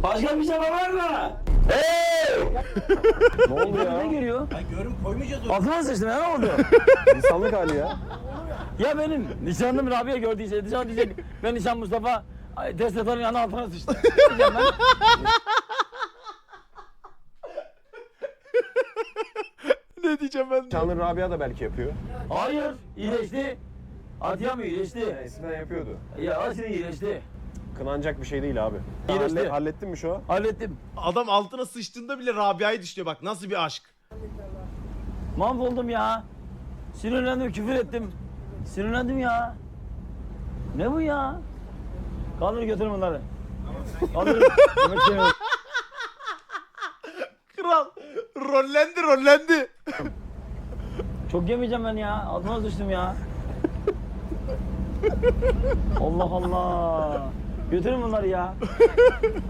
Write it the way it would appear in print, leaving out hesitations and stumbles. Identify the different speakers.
Speaker 1: Başka bir şey var mı? Hey!
Speaker 2: Ne oldu ya?
Speaker 1: Ne geliyor?
Speaker 3: Ben görüm koymayacağız o.
Speaker 1: Altıma sıçtım ya, ne oldu?
Speaker 2: İnsanlık hali ya.
Speaker 1: Ya benim nişanlım Rabia gördüyse dışarı diyecek ben nişan Mustafa test atanın yanına altına sıçtım. Ne diyeceğim ben?
Speaker 4: Ne diyeceğim ben?
Speaker 2: Çanlı Rabia da belki yapıyor.
Speaker 1: Hayır, iyileşti. Atiyam iyileşti.
Speaker 2: Eskiden yapıyordu.
Speaker 1: Ya aslında iyileşti.
Speaker 2: Kınanacak bir şey değil abi.
Speaker 1: İyileşti.
Speaker 2: Hallettin mi şu an?
Speaker 1: Hallettim.
Speaker 4: Adam altına sıçtığında bile Rabia'yı düşünüyor bak nasıl bir aşk.
Speaker 1: Mahvoldum ya. Sinirlendim, küfür ettim. Sinirlendim ya. Ne bu ya? Kaldır götürün bunları. Kaldır. Yemek yemiyorum.
Speaker 4: Kral rollendi.
Speaker 1: Çok yemeyeceğim ben ya. Altıma düştüm ya. Allah Allah. Götürün bunları ya.